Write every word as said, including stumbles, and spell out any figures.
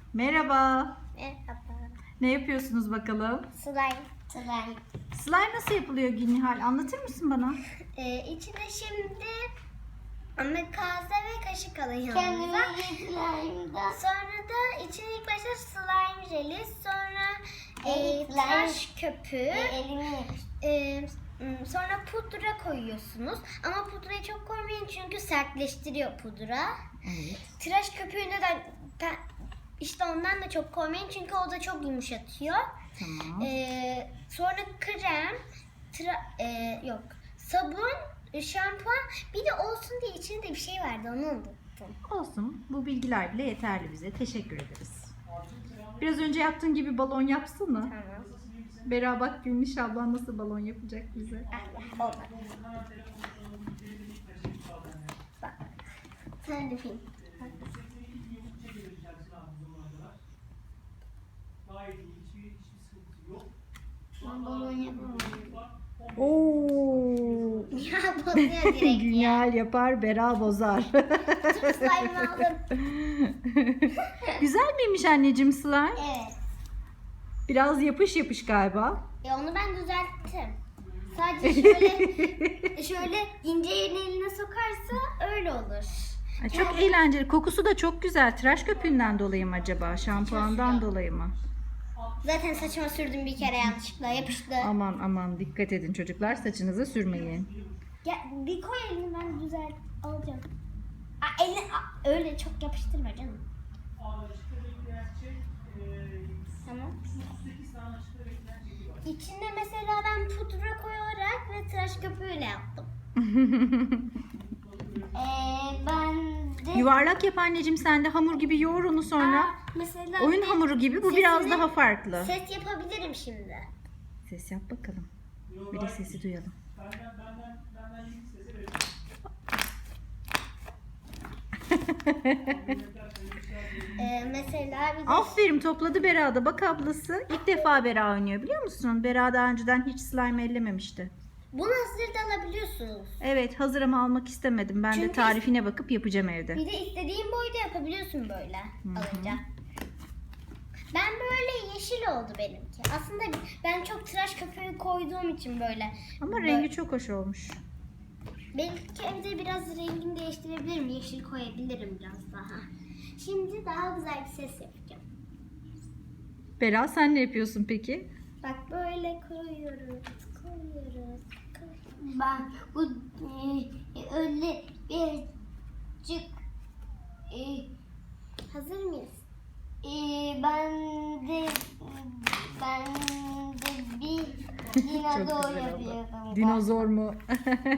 Merhaba. Merhaba. Ne yapıyorsunuz bakalım? Slime. Slime. Slime nasıl yapılıyor Gülnihal? Anlatır mısın bana? Ee, içine şimdi kase ve kaşık alın yanınıza. Sonra da içine ilk başta slime jeli, sonra e, tıraş köpüğü, e, sonra pudra koyuyorsunuz. Ama pudrayı çok koymayın çünkü sertleştiriyor pudra. Evet. Tıraş köpüğünü de işte ondan da çok koymayın çünkü o da çok yumuşatıyor. Tamam. Ee, sonra krem, tra- e, yok sabun, şampuan, bir de olsun diye içinde bir şey vardı, onu unuttum. Olsun. Bu bilgiler bile yeterli bize. Teşekkür ederiz. Biraz önce yaptığın gibi balon yapsana. Tamam. Bera bak Gülniş ablan nasıl balon yapacak bize. Allah, olmadı. Bak. Sen de film. Ben balon yapamam. Oo. Ya bozuyor direkt ya. Gülnihal yapar, Bera bozar. Tüm slime'ı aldım. Güzel miymiş anneciğim slime? Evet. Biraz yapış yapış galiba. E onu ben düzelttim. Sadece şöyle şöyle ince yerini eline sokarsa öyle olur. Ay, çok eğlenceli. Kokusu da çok güzel. Tıraş köpüğünden dolayı mı acaba? Şampuandan dolayı mı? Zaten saçıma sürdüm bir kere yanlışlıkla yapıştı. Aman aman dikkat edin çocuklar, saçınıza sürmeyin. Ya bir koy elini, ben düzelt alacağım. Aa, elini aa, öyle çok yapıştırma canım. Tamam. İçinde mesela ben pudra koyarak ve tıraş köpüğüyle yaptım. ee, ben de... Yuvarlak yap anneciğim, sen de hamur gibi yoğur onu sonra. Aa, mesela Oyun bir de hamuru gibi, bu sesini- biraz daha farklı. Ses yapabilirim şimdi. Ses yap bakalım. Bir de sesi duyalım. Ee, mesela bir de Aferin, topladı Bera da. Bak ablası ilk defa Bera oynuyor, biliyor musun? Bera daha önceden hiç slime ellememişti. bunu hazır da alabiliyorsunuz. Evet, hazır ama almak istemedim. Ben de Çünkü- tarifine bakıp yapacağım evde. Bir de istediğin boyda yapabiliyorsun böyle alınca. Ben böyle yeşil oldu benimki. Aslında ben çok tıraş köpüğü koyduğum için böyle. Ama Böyle- rengi çok hoş olmuş. Belki evde biraz rengini değiştirebilirim. Yeşil koyabilirim biraz daha. Şimdi daha güzel bir ses yapacağım. Bera sen ne yapıyorsun peki? Bak böyle koyuyoruz, koyuyoruz. Ben bu e, öyle birazcık e, hazır mıyız? E, ben de ben de bir dinozor yapıyorum. Dinozor mu?